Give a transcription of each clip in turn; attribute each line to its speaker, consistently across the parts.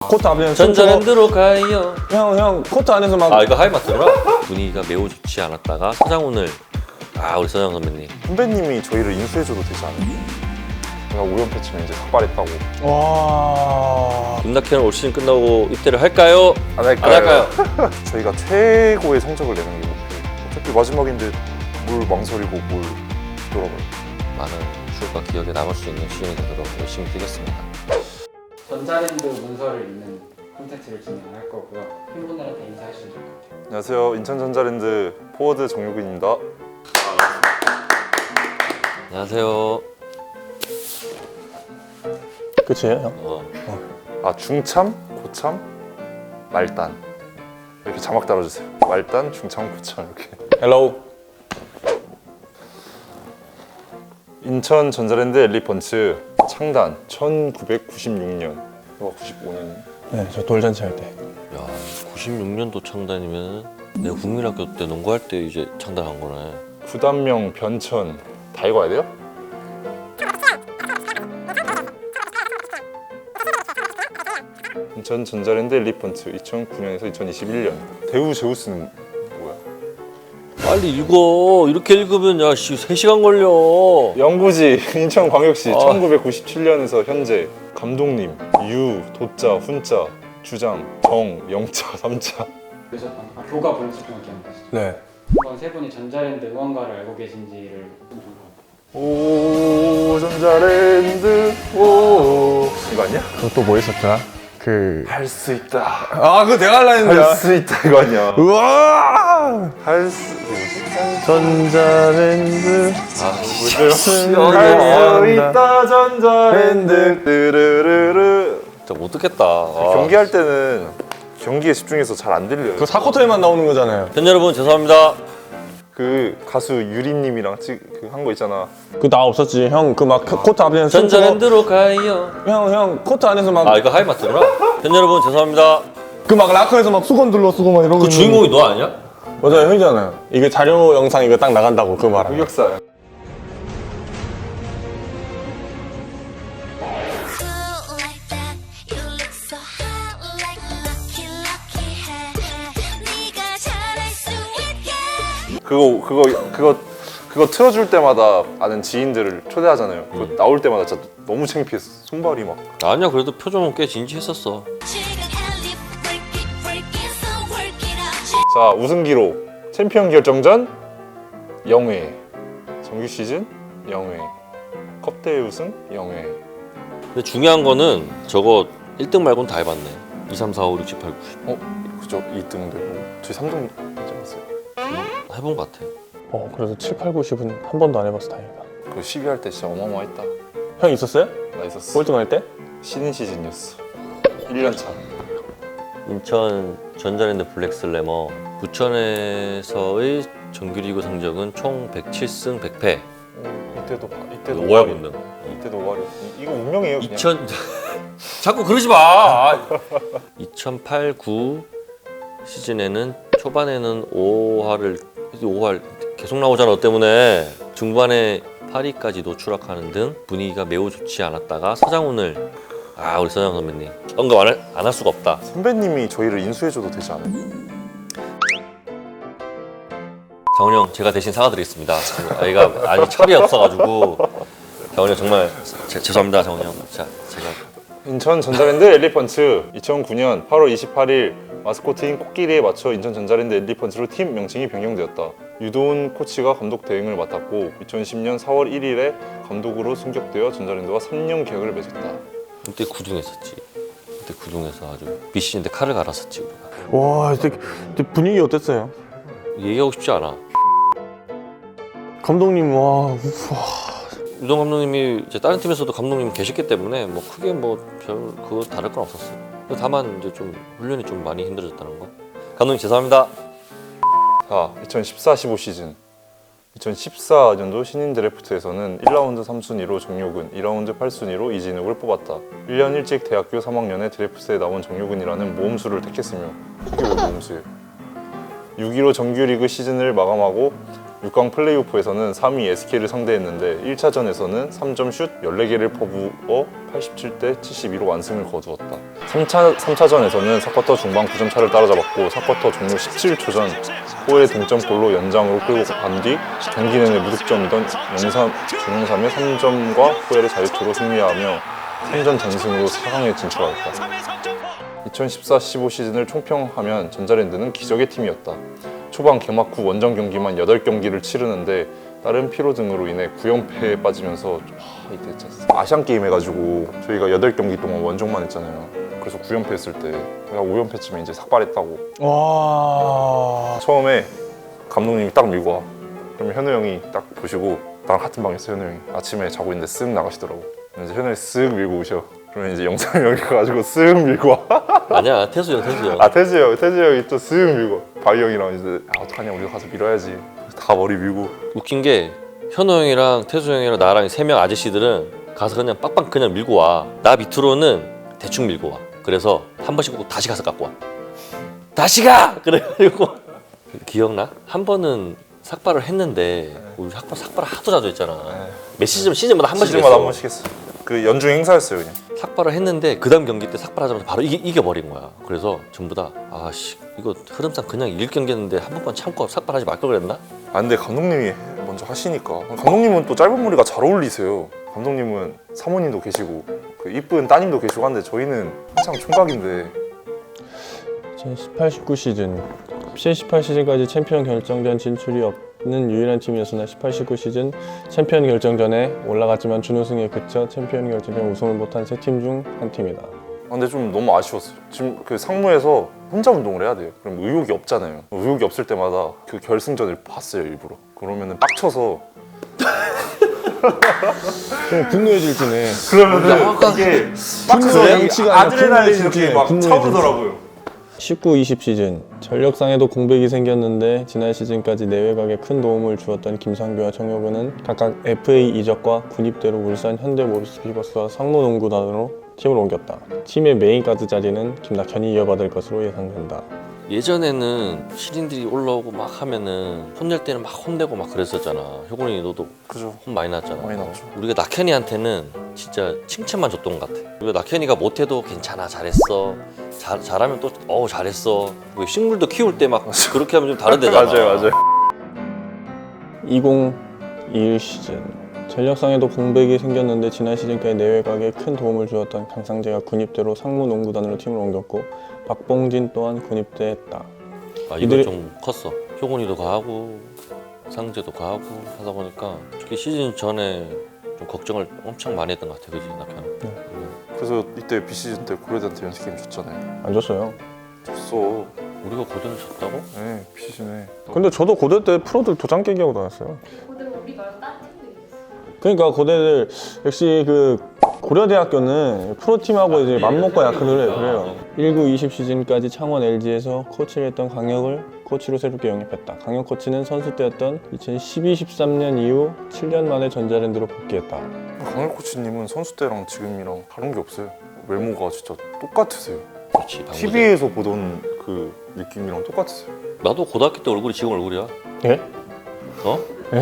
Speaker 1: 코트 앞에는
Speaker 2: 전자랜드로 가요.
Speaker 1: 형 코트 안에서 막
Speaker 2: 아 이거 하이마트구나. 분위기가 매우 좋지 않았다가 서장훈을 우리 서장 선배님.
Speaker 3: 선배님이 저희를 인수해줘도 되지 않을까요? 제가 5연패 치면 이제 삭발했다고.
Speaker 1: 와.
Speaker 2: 김낙현은 올 시즌 끝나고 입대를 할까요?
Speaker 3: 안
Speaker 2: 안 할까요?
Speaker 3: 저희가 최고의 성적을 내는 게 목표예요. 어차피 마지막인데 뭘 망설이고 뭘 돌아봐요.
Speaker 2: 많은 추억과 기억에 남을 수 있는 시즌이 되도록 열심히 뛰겠습니다.
Speaker 4: 전자랜드 문서를 읽는 콘텐츠를 진행할 거고요. 팬분들한테 인사하시면 좋을 것 같아요.
Speaker 3: 안녕하세요. 인천전자랜드 포워드 정유근입니다.
Speaker 2: 안녕하세요.
Speaker 1: 끝이에요, 형?
Speaker 3: 아 중참, 고참, 말단 이렇게 자막 달아주세요. 말단, 중참, 고참 이렇게.
Speaker 1: 헬로우.
Speaker 3: 인천전자랜드 엘리펀츠 창단 1996년. 이거 95년.
Speaker 1: 네, 저 돌잔치 할 때.
Speaker 2: 야, 96년도 창단이면 내가 국민학교 때 농구할 때 이제 창단한 거네.
Speaker 3: 구단명, 변천 다 읽어야 돼요? 인천전자랜드 엘리펀츠 2009년에서 2021년. 대우 제우스는 뭐야?
Speaker 2: 빨리 읽어. 이렇게 읽으면 야, 씨, 3시간 걸려.
Speaker 3: 영구지 인천광역시
Speaker 2: 아.
Speaker 3: 1997년에서 현재. 감독님 유, 도자, 훈자, 주장, 정, 영자, 삼자.
Speaker 4: 그러셨던 교가 불렀었던 거 기억나시죠?
Speaker 1: 네.
Speaker 4: 한번 세 분이 전자랜드 응원가를 알고 계신지를
Speaker 3: 오 전자랜드 오 이거 아니야?
Speaker 1: 그것도 뭐 있었더라?
Speaker 3: 할 수 있다.
Speaker 1: 아, 그거 내가 하려 했는데.
Speaker 3: 할 수 있다 이거 아니야?
Speaker 1: 우와!
Speaker 3: 할수 뭐지?
Speaker 1: 전자랜드.
Speaker 3: 할 수 있다 전자랜드 르르르르.
Speaker 2: 진짜 못 듣겠다. 아.
Speaker 3: 경기할 때는 경기에 집중해서 잘 안 들려요.
Speaker 1: 그 사코터에만 나오는 거잖아요.
Speaker 2: 팬 여러분 죄송합니다.
Speaker 3: 그 가수 유리님이랑 한 거 있잖아.
Speaker 1: 그 나 없었지. 형 그 막 코트 앞에는
Speaker 2: 전자랜드로 가요.
Speaker 1: 형 코트 안에서 막
Speaker 2: 아 이거 하이마트구나. 팬 여러분 죄송합니다.
Speaker 1: 그 막 라커에서 막 수건 둘러쓰고 막 이러고
Speaker 2: 그
Speaker 1: 있는-
Speaker 2: 주인공이 너 아니야?
Speaker 1: 맞아요, 형이잖아요. 이게 자료 영상 이거 딱 나간다고 그 말.
Speaker 3: 흑역사야.
Speaker 5: like that. You look so hot like lucky hair. 네가 잘할 수 있게.
Speaker 3: 그거 틀어줄 때마다 아는 지인들을 초대하잖아요. 그거 나올 때마다 진짜 너무 창피했어. 손발이 막.
Speaker 2: 아니야 그래도 표정은 꽤 진지했었어.
Speaker 5: 지금 엘리 break it so work it out.
Speaker 3: 자 우승 기록 챔피언 결정전 0회, 정규 시즌 0회, 컵 대회 우승 0회.
Speaker 2: 근데 중요한 거는 저거 1등 말고는 다 해봤네. 2, 3, 4, 5, 6, 7, 8, 9, 10.
Speaker 3: 그죠? 2등 되고 저희 3등 잡았어요.
Speaker 2: 해본 것 같아.
Speaker 1: 그래서 7, 8, 9, 10은 한 번도 안 해봐서 다행이다.
Speaker 3: 그 12할 때 진짜 어마어마했다.
Speaker 1: 형 있었어요?
Speaker 3: 나 있었어.
Speaker 1: 꼴등할 때?
Speaker 3: 쉬는 시즌이었어. 1년 차.
Speaker 2: 인천 전자랜드 블랙슬래머 부천에서의 정규리그 성적은 총 107승 100패.
Speaker 3: 이때도
Speaker 2: 5할 본능.
Speaker 3: 이때도 5할이. 이거 운명이에요. 그냥.
Speaker 2: 2000 자꾸 그러지 마. 2008-9 시즌에는 초반에는 5할 계속 나오잖아. 너 때문에 중반에 8위까지도 추락하는 등 분위기가 매우 좋지 않았다가 서장훈을 우리 서장 선배님 언급 안 할 수가 없다.
Speaker 3: 선배님이 저희를 인수해줘도 되지 않아요?
Speaker 2: 장훈 형 제가 대신 사과드리겠습니다. 아이가 아직 철이 없어가지고 장훈 형 정말 죄송합니다. 장훈 형. 자 제가
Speaker 3: 인천 전자랜드 엘리펀츠 2009년 8월 28일 마스코트인 코끼리에 맞춰 인천 전자랜드 엘리펀츠로 팀 명칭이 변경되었다. 유도훈 코치가 감독 대행을 맡았고 2010년 4월 1일에 감독으로 승격되어 전자랜드와 3년 계약을 맺었다.
Speaker 2: 그때 구둥했었지. 그때 구둥에서 아주 비시즌 때 칼을 갈았었지 우리가.
Speaker 1: 와, 그때 분위기 어땠어요?
Speaker 2: 얘기하고 싶지 않아.
Speaker 1: 감독님 와.
Speaker 2: 유동 감독님이 이제 다른 팀에서도 감독님 계셨기 때문에 뭐 크게 뭐 별 그거 다를 건 없었어요. 다만 이제 좀 훈련이 좀 많이 힘들어졌다는 거. 감독님 죄송합니다.
Speaker 3: 자, 2014-15 시즌 2014년도 신인 드래프트에서는 1라운드 3순위로 정효근, 2라운드 8순위로 이진욱을 뽑았다. 1년 일찍 대학교 3학년에 드래프트에 나온 정효근이라는 모험수를 택했으며 그게 왜 모험수예요? 6위로 정규리그 시즌을 마감하고 6강 플레이오프에서는 3위 SK를 상대했는데 1차전에서는 3점 슛 14개를 퍼부어 87대 72로 완승을 거두었다. 3차전에서는 4쿼터 중반 9점 차를 따라잡았고 4쿼터 종료 17초 전 호의 동점골로 연장으로 끌고 간 뒤 경기 내내 무득점이던 준영삼의 3점과 호엘의 자유투로 승리하며 3전 전승으로 4강에 진출하였다. 2014-15 시즌을 총평하면 전자랜드는 기적의 팀이었다. 초반 개막 후 원정 경기만 8경기를 치르는데 다른 피로 등으로 인해 9연패에 빠지면서 이때 아시안 게임 해가지고 저희가 8경기 동안 원정만 했잖아요. 그래서 9연패 했을 때 내가 5연패쯤에 이제 삭발했다고.
Speaker 1: 와.
Speaker 3: 처음에 감독님이 딱 밀고 와. 그러면 현우 형이 딱 보시고 나랑 같은 방에서 현우 형이 아침에 자고 있는데 쓱 나가시더라고. 이제 현우 형이 쓱 밀고 오셔. 그러면 이제 영상이 여기 가가지고 쓱 밀고 와.
Speaker 2: 아니야, 태수 형.
Speaker 3: 아 태주 형이 또 쓱 밀고 바위 형이랑 이제 어떡하냐 우리가 가서 밀어야지. 다 머리 밀고.
Speaker 2: 웃긴 게 현호 형이랑 태수 형이랑 나랑 3명 아저씨들은 가서 그냥 빡빡 그냥 밀고 와. 나 밑으로는 대충 밀고 와. 그래서 한 번씩 꼭 다시 가서 갖고 와. 다시 가! 그래가지고 기억나? 한 번은 삭발을 했는데 우리 삭발을 하도 자주 했잖아. 몇 시즌마다 한 번씩
Speaker 3: 시즌마다 한
Speaker 2: 했어.
Speaker 3: 번씩 했어. 그 연중 행사였어요 그냥.
Speaker 2: 삭발을 했는데 그 다음 경기 때 삭발하자마자 바로 이겨버린 거야. 그래서 전부 다 아씨 이거 흐름상 그냥 1경기였는데 한 번만 참고 삭발하지 말 걸 그랬나?
Speaker 3: 아 근데 감독님이 먼저 하시니까 감독님은 또 짧은 머리가 잘 어울리세요. 감독님은 사모님도 계시고 그 이쁜 따님도 계시고 한데 저희는 한창 총각인데
Speaker 1: 2018-19 시즌 17-18 시즌까지 챔피언 결정전 진출이 없는 유일한 팀이었으나 18-19 시즌 챔피언 결정전에 올라갔지만 준우승에 그쳐 챔피언 결정전 우승을 못한 세 팀 중 한 팀이다.
Speaker 3: 아, 근데 좀 너무 아쉬웠어요. 지금 그 상무에서 혼자 운동을 해야 돼요. 그럼 의욕이 없잖아요. 의욕이 없을 때마다 그 결승전을 봤어요 일부러. 그러면은 빡쳐서
Speaker 1: 분노해질 팀에
Speaker 3: 그러면은 이게
Speaker 1: 분노의 양치가 아니라 분노의
Speaker 3: 이렇게
Speaker 1: 양치.
Speaker 3: 막
Speaker 1: 분노의
Speaker 3: 차오르더라고요.
Speaker 1: 19-20 시즌 전력상에도 공백이 생겼는데 지난 시즌까지 내외곽에 큰 도움을 주었던 김상규와 정효근은 각각 FA 이적과 군입대로 울산 현대모비스피버스와 상무농구단으로 팀을 옮겼다. 팀의 메인 가드 자리는 김낙현이 이어받을 것으로 예상된다.
Speaker 2: 예전에는 신인들이 올라오고 막 하면은 혼낼 때는 막 혼내고 막 그랬었잖아. 효곤이 너도
Speaker 3: 그죠.
Speaker 2: 혼 많이 났잖아.
Speaker 3: 많이 났죠.
Speaker 2: 우리가 낙현이한테는 진짜 칭찬만 줬던 것 같아. 우리가 낙현이가 못해도 괜찮아, 잘했어. 잘하면 또 잘했어. 왜 식물도 키울 때 막 그렇게 하면 좀 다른 데잖아.
Speaker 3: 맞아요.
Speaker 1: 2021 시즌 전력상에도 공백이 생겼는데 지난 시즌까지 내외곽에 큰 도움을 주었던 강상재가 군입대로 상무농구단으로 팀을 옮겼고 박봉진 또한 군입대했다.
Speaker 2: 아, 이거
Speaker 1: 이들이-
Speaker 2: 좀 컸어. 효곤이도 가고 상재도 가고 하다 보니까 특히 시즌 전에 좀 걱정을 엄청 많이 했던 것 같아, 그지 낙현?
Speaker 3: 그래서 이때 비시즌 때 고려대한테 연습 게임 줬잖아요.
Speaker 1: 안 줬어요.
Speaker 3: 줬어.
Speaker 2: 우리가 고등을 쳤다고?
Speaker 3: 네 비시즌에.
Speaker 1: 근데 저도 고대 때 프로들 도장 깨기 하고 다녔어요.
Speaker 6: 고대 우리 말고 다른 팀도 있었어.
Speaker 1: 그러니까 고대들 역시 그 고려대학교는 프로팀하고 이제 맘먹고 약속을 해요. 그래요. 19-20 시즌까지 창원 LG에서 코치를 했던 강혁을 코치로 새롭게 영입했다. 강혁 코치는 선수 때였던 2012-13년 이후 7년 만에 전자랜드로 복귀했다.
Speaker 3: 강일 코치님은 선수 때랑 지금이랑 다른 게 없어요. 외모가 진짜 똑같으세요.
Speaker 2: 그렇지. 방금
Speaker 3: TV에서 보던 그 느낌이랑 똑같으세요.
Speaker 2: 나도 고등학교 때 얼굴이 지금 얼굴이야.
Speaker 1: 예?
Speaker 2: 어?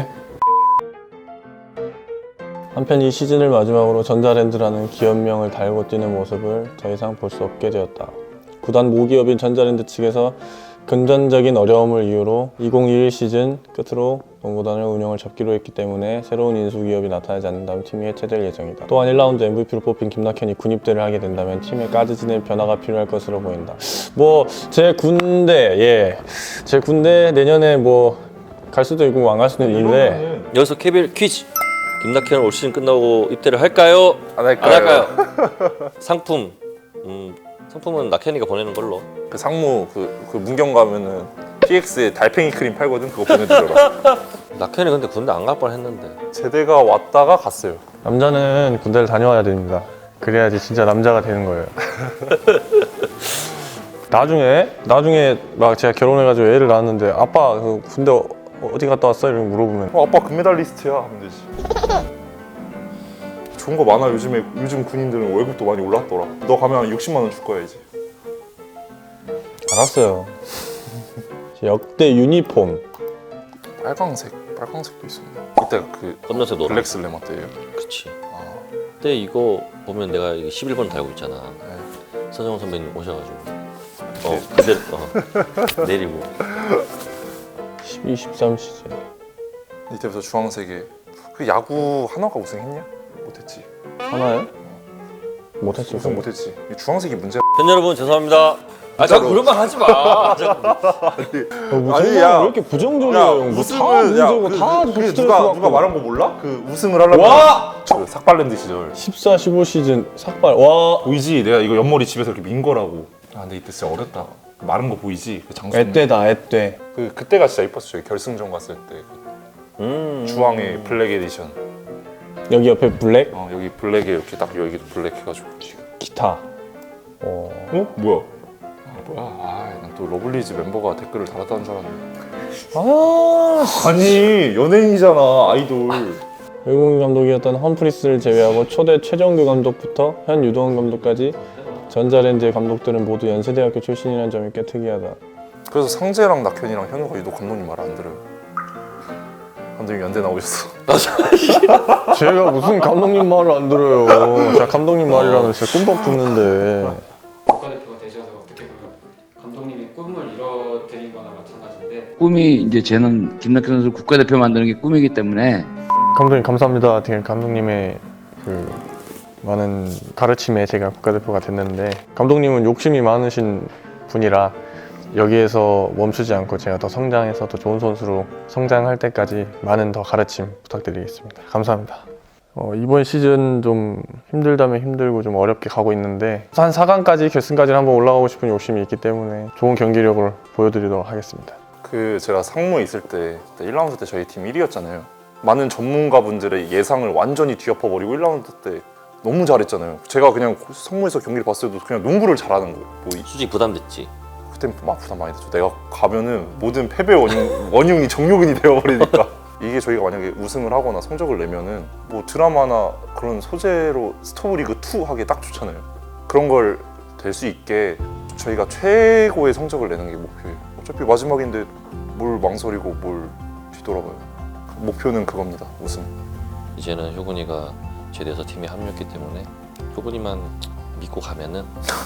Speaker 1: 한편 이 시즌을 마지막으로 전자랜드라는 기업명을 달고 뛰는 모습을 더 이상 볼 수 없게 되었다. 구단 모기업인 전자랜드 측에서 금전적인 어려움을 이유로 2021 시즌 끝으로 농구단을 운영을 접기로 했기 때문에 새로운 인수 기업이 나타나지 않는다면 팀이 해체될 예정이다. 또한 1라운드 MVP로 뽑힌 김낙현이 군입대를 하게 된다면 팀의 가드진의 변화가 필요할 것으로 보인다. 제 군대 내년에 갈 수도 있고 안 갈 수도 있는데
Speaker 2: 여기서 KBL 퀴즈. 김낙현 올 시즌 끝나고 입대를 할까요?
Speaker 3: 안
Speaker 2: 안 할까요? 상품. 상품은 낙현이가 보내는 걸로.
Speaker 3: 그 상무 그 문경 가면은 PX에 달팽이 크림 팔거든. 그거 보내드려라.
Speaker 2: 낙현이 근데 군대 안 갈 뻔했는데.
Speaker 3: 제대가 왔다가 갔어요.
Speaker 1: 남자는 군대를 다녀와야 됩니다. 그래야지 진짜 남자가 되는 거예요. 나중에 막 제가 결혼해가지고 애를 낳았는데 아빠 그 군대 어디 갔다 왔어? 이렇게 물어보면
Speaker 3: 아빠 금메달리스트야 하면 되지. 좋은 거 많아. 요즘 군인들은 월급도 많이 올랐더라. 너 가면 60만 원 줄 거야 이제.
Speaker 1: 알았어요. 역대 유니폼
Speaker 3: 빨강색. 빨강색도 있었나? 이때 그
Speaker 2: 검정색 노랑.
Speaker 3: 블랙 슬래머 때예요.
Speaker 2: 그치.
Speaker 3: 아,
Speaker 2: 근데 이거 보면 내가 이게 11번 달고 있잖아.
Speaker 3: 네.
Speaker 2: 서정훈 선배님 오셔가지고 그대로 내리고
Speaker 1: 12, 13 시즌.
Speaker 3: 이때부터 주황색에 그 야구 한화가 우승했냐? 못했지.
Speaker 1: 하나요? 못했지.
Speaker 3: 우승 못했지. 이 주황색이 문제야.
Speaker 2: 팬 여러분 죄송합니다. 아 자꾸 그런 말 하지 마. 자꾸.
Speaker 1: 무슨
Speaker 3: 아니,
Speaker 1: 야,
Speaker 3: 야.
Speaker 1: 왜 이렇게 부정적이에요? 형? 뭐다 문제고 다
Speaker 3: 그게
Speaker 1: 스트레스
Speaker 3: 누가
Speaker 1: 받고.
Speaker 3: 말한 거 몰라? 그 우승을 하려고 그 삭발랜드 시절
Speaker 1: 14, 15 시즌 삭발. 와.
Speaker 3: 보이지? 내가 이거 옆머리 집에서 이렇게 민 거라고. 아 근데 이때 진짜 어렸다. 마른 거 보이지? 그 장수.
Speaker 1: 애때다 애때.
Speaker 3: 그때가 진짜 이뻤어요. 결승전 갔을 때 주황의 블랙 에디션.
Speaker 1: 여기 옆에 블랙
Speaker 3: 여기 블랙에 이렇게 딱 여기도 블랙 해가지고.
Speaker 1: 기타.
Speaker 3: 어? 뭐야? 난 또 러블리즈 멤버가 댓글을 달았다는 줄 알았네.
Speaker 1: 아.
Speaker 3: 아니 연예인이잖아 아이돌.
Speaker 1: 외국인 감독이었던 험프리스를 제외하고 초대 최정규 감독부터 현 유도원 감독까지 전자랜드의 감독들은 모두 연세대학교 출신이라는 점이 꽤 특이하다.
Speaker 3: 그래서 상재랑 낙현이랑 현우가 유독 감독님 말 안 들어요. 감독님 연대 나오셨어.
Speaker 1: 제가 무슨 감독님 말을 안 들어요. 제가 감독님 말이라면 진짜 꿈뻑 죽는데.
Speaker 4: 국가대표가 되셔서 어떻게 보면 감독님의 꿈을 이뤄드린 거나 마찬가지인데
Speaker 7: 꿈이 이제 쟤는 김낙현 선수 국가대표 만드는 게 꿈이기 때문에
Speaker 1: 감독님 감사합니다. 되게 감독님의 그 많은 가르침에 제가 국가대표가 됐는데 감독님은 욕심이 많으신 분이라 여기에서 멈추지 않고 제가 더 성장해서 더 좋은 선수로 성장할 때까지 많은 더 가르침 부탁드리겠습니다. 감사합니다. 이번 시즌 좀 힘들다면 힘들고 좀 어렵게 가고 있는데 한 4강까지 결승까지 한번 올라가고 싶은 욕심이 있기 때문에 좋은 경기력을 보여드리도록 하겠습니다.
Speaker 3: 그 제가 상무에 있을 때 1라운드 때 저희 팀 1위였잖아요. 많은 전문가분들의 예상을 완전히 뒤엎어버리고 1라운드 때 너무 잘했잖아요. 제가 그냥 상무에서 경기를 봤을 때도 그냥 농구를 잘하는 거예요.
Speaker 2: 솔직히 부담됐지.
Speaker 3: 그땐 막 부담 많이 됐죠. 내가 가면은 모든 패배 원흉이 정료근이 되어버리니까. 이게 저희가 만약에 우승을 하거나 성적을 내면은 뭐 드라마나 그런 소재로 스토리그 2 하기에 딱 좋잖아요. 그런 걸 될 수 있게 저희가 최고의 성적을 내는 게 목표예요. 어차피 마지막인데 뭘 망설이고 뭘 뒤돌아봐요. 목표는 그겁니다. 우승.
Speaker 2: 이제는 효근이가 제대해서 팀에 합류했기 때문에 효근이만 믿고 가면은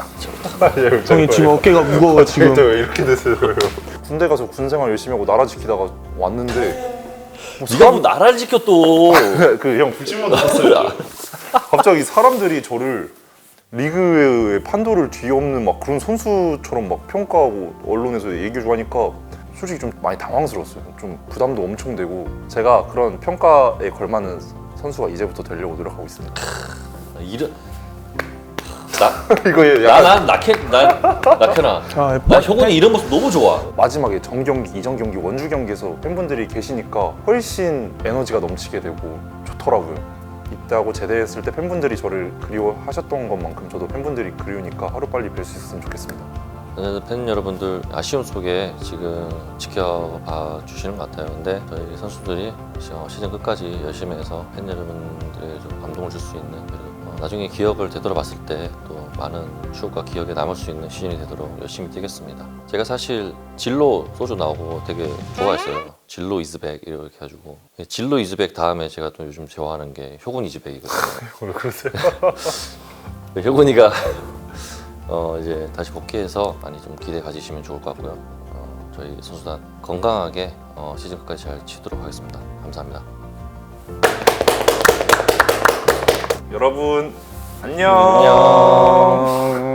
Speaker 1: 형이 지금 어깨가 무거워 지금.
Speaker 3: 왜 이렇게 됐어요? 군대 가서 군생활 열심히 하고 나라 지키다가 왔는데
Speaker 2: 네가 뭐 나라를 지켜 또.
Speaker 3: 그 형 불침문 나왔어요. 갑자기 사람들이 저를 리그의 판도를 뒤엎는 막 그런 선수처럼 막 평가하고 언론에서 얘기해주고 하니까 솔직히 좀 많이 당황스러웠어요. 좀 부담도 엄청 되고 제가 그런 평가에 걸맞는 선수가 이제부터 되려고 노력하고 있습니다.
Speaker 2: 이런
Speaker 3: 이거
Speaker 2: 나난 낙현아. 나 효근이 이런 모습 너무 좋아.
Speaker 3: 마지막에 정경기, 이전 경기, 원주 경기에서 팬분들이 계시니까 훨씬 에너지가 넘치게 되고 좋더라고요. 입대하고 제대했을 때 팬분들이 저를 그리워하셨던 것만큼 저도 팬분들이 그리우니까 하루빨리 뵐 수 있었으면 좋겠습니다.
Speaker 2: 팬 여러분들 아쉬움 속에 지금 지켜봐 주시는 것 같아요. 근데 저희 선수들이 시즌 끝까지 열심히 해서 팬 여러분들의 좀 감동을 줄 수 있는, 그리고 나중에 기억을 되돌아봤을 때 또 많은 추억과 기억에 남을 수 있는 시즌이 되도록 열심히 뛰겠습니다. 제가 사실 진로 소주 나오고 되게 좋아했어요. 진로 이즈백 이렇게 해가지고 진로 이즈백 다음에 제가 또 요즘 좋아하는 게 효근 이즈백이거든요.
Speaker 3: 왜 그러세요?
Speaker 2: 효근이가 이제 다시 복귀해서 많이 좀 기대 가지시면 좋을 것 같고요. 저희 선수단 건강하게 시즌 끝까지 잘 치도록 하겠습니다. 감사합니다.
Speaker 3: 여러분 안녕.
Speaker 1: 안녕.